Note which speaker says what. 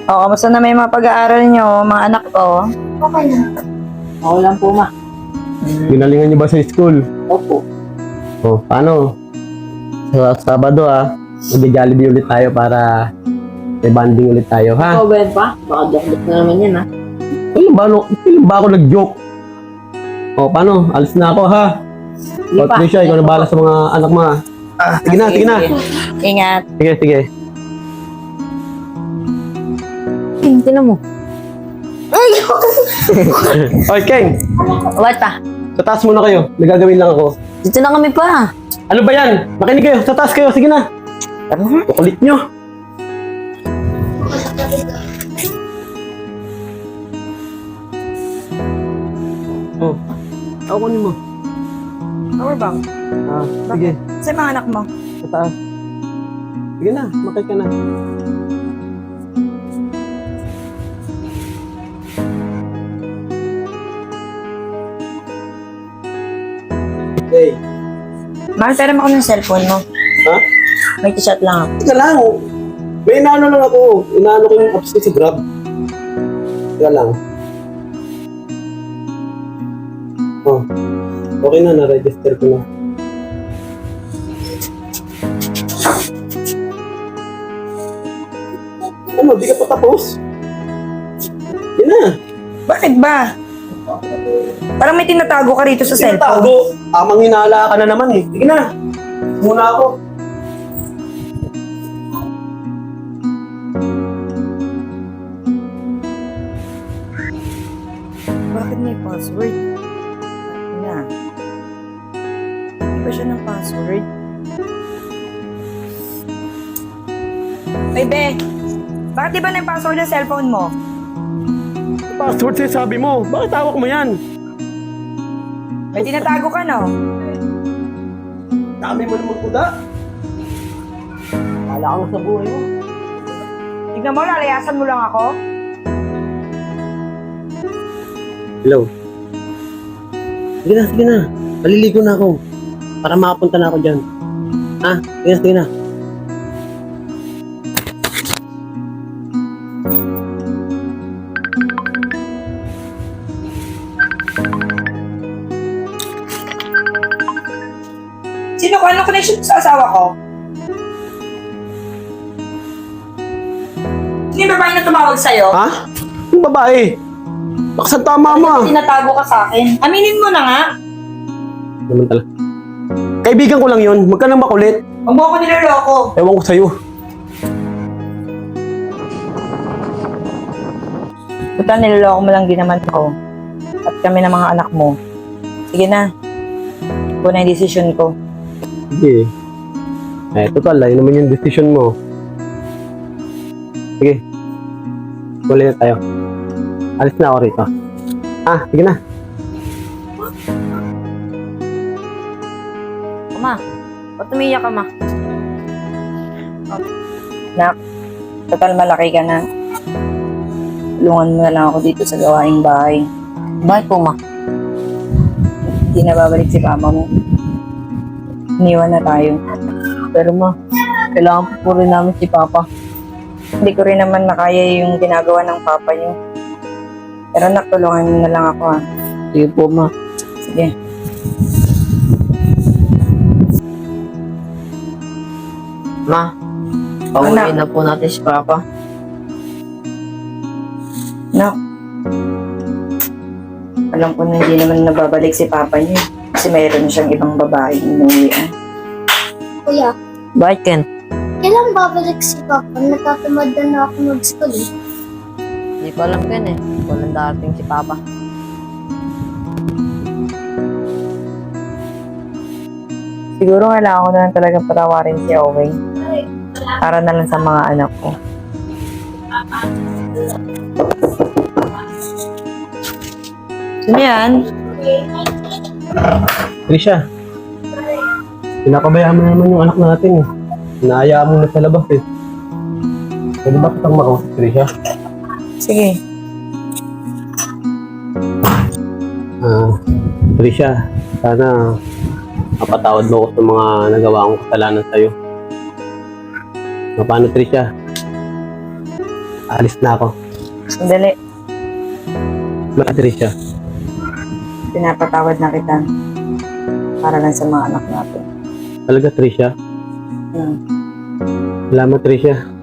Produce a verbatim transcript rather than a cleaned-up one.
Speaker 1: O, kamusta na may mga pag-aaral nyo, mga anak ko?
Speaker 2: Okay lang.
Speaker 3: Oo lang po, ma.
Speaker 4: Ginalingan niyo ba sa school?
Speaker 3: Opo.
Speaker 4: O, paano? Sa Sabado ah, mag-Jollibee ulit tayo para may banding ulit tayo, ha?
Speaker 3: Ikaw ba yan pa? Baka joke-joke na naman yan, ha?
Speaker 4: Kailan ba, no? Kailan ba ako nag-joke? O, paano? Alis na ako, ha?
Speaker 3: Hindi
Speaker 4: O,
Speaker 3: pa.
Speaker 4: Trisha, ikaw na bahala sa mga anak mo, ha?
Speaker 1: Ah,
Speaker 4: Sige na, sige na.
Speaker 1: Ingat.
Speaker 4: Sige, sige.
Speaker 3: Tingnan mo.
Speaker 4: Oy, Keng!
Speaker 3: What pa?
Speaker 4: Sa taas muna kayo. May gagawin lang ako.
Speaker 3: Dito na kami pa.
Speaker 4: Ano ba yan? Makinig kayo. Sa taas kayo. Sige na.
Speaker 3: Tara na.
Speaker 4: Kukulit nyo. Oh. Ako kunin mo.
Speaker 1: Power bank.
Speaker 4: Ah, sige.
Speaker 1: Sa mga anak mo?
Speaker 4: Sa taas. Sige na. Makay ka na. Hey.
Speaker 1: Mahal, pera mo ako ng cellphone mo.
Speaker 4: Ha?
Speaker 1: May chat lang ako.
Speaker 4: Teka lang. May inaano lang ako. Inaano ko yung apps ko sa Grab. Teka lang. Oh. Okay na, na-register ko na. Ano, di ka pa tapos? Yan na.
Speaker 1: Bakit ba? Parang may tinatago ka rito sa cellphone.
Speaker 4: Tinatago. Amang hinala ka na naman eh. Sige na. Muna ako.
Speaker 1: Bakit may password? Bakit na? Hindi ba siya ng password? Ay, Be! Bakit di ba na yung password ng cellphone mo?
Speaker 4: Password siya sabi mo. Bakit tawag mo yan?
Speaker 1: May tinatago ka, no?
Speaker 4: Dami mo naman kuda. Wala kang sa buhay mo.
Speaker 1: Tignan mo, lalayasan mo lang ako.
Speaker 4: Hello. Sige na, sige na. Maliligo na ako. Para makapunta na ako dyan. Ah, sige na, sige na.
Speaker 1: Sino ko? Anong connection sa asawa ko? Sino yung babae na tumawag sa'yo?
Speaker 4: Ha? Yung babae. Baksan tama mo ah.
Speaker 1: Tinatago ka sa akin. Aminin mo na nga.
Speaker 4: Naman talaga. Kaibigan ko lang yun. Huwag ka nang makulit.
Speaker 1: Huwag mo ako niloloko.
Speaker 4: Ewan ko sa'yo.
Speaker 1: Total, niloloko mo lang din naman ako. At kami ng mga anak mo. Sige na. Ito na yung decision ko.
Speaker 4: Sige. Eh, total. Ayun naman yung decision mo. Sige. Tuloy na tayo. Alis na ako rito. Ah, sige na.
Speaker 3: Ma, ba't umiyak ka, ma?
Speaker 1: Nak, total malaki ka na. Tulungan mo na lang ako dito sa gawaing bahay.
Speaker 3: Bakit po, ma?
Speaker 1: Hindi na babalik si papa mo. Iniwan na tayo.
Speaker 3: Pero, ma, kailangan po po rin namin si Papa.
Speaker 1: Hindi ko rin naman nakaya yung ginagawa ng papa niyo. Pero nak, tulungan mo na lang ako ha.
Speaker 3: Sige po, ma.
Speaker 1: Sige.
Speaker 3: Ma,
Speaker 1: Anak.
Speaker 3: pauwiin na po natin si Papa.
Speaker 1: Nak, alam ko na hindi naman nababalik si papa niyo. Kasi mayroon na siyang ibang babae inuwian.
Speaker 2: Kuya,
Speaker 3: Bakit, Ken?
Speaker 2: kailan babalik si Papa? Natatamad na na ako mag-school eh.
Speaker 3: Hindi ko alam, Ken eh. Walang darating si Papa.
Speaker 1: Siguro kailangan ko na lang talagang patawarin si Owen. Para na lang sa mga anak ko. Sino yan?
Speaker 4: Trisha. Pinakabayaan mo naman yung anak natin eh. Inaayaan mo na sa labas eh. Pwede ba kitang makausap, Trisha?
Speaker 1: Sige.
Speaker 4: Ah, Trisha, sana mapatawad mo ako sa mga nagawa kong kasalanan sa'yo. O, paano, Trisha? Alis na ako.
Speaker 1: Sandali.
Speaker 4: Mga Tricia.
Speaker 1: Pinapatawad na kita. Para lang sa mga anak natin.
Speaker 4: Talaga, Tricia.
Speaker 1: Hmm.
Speaker 4: Salamat, Tricia.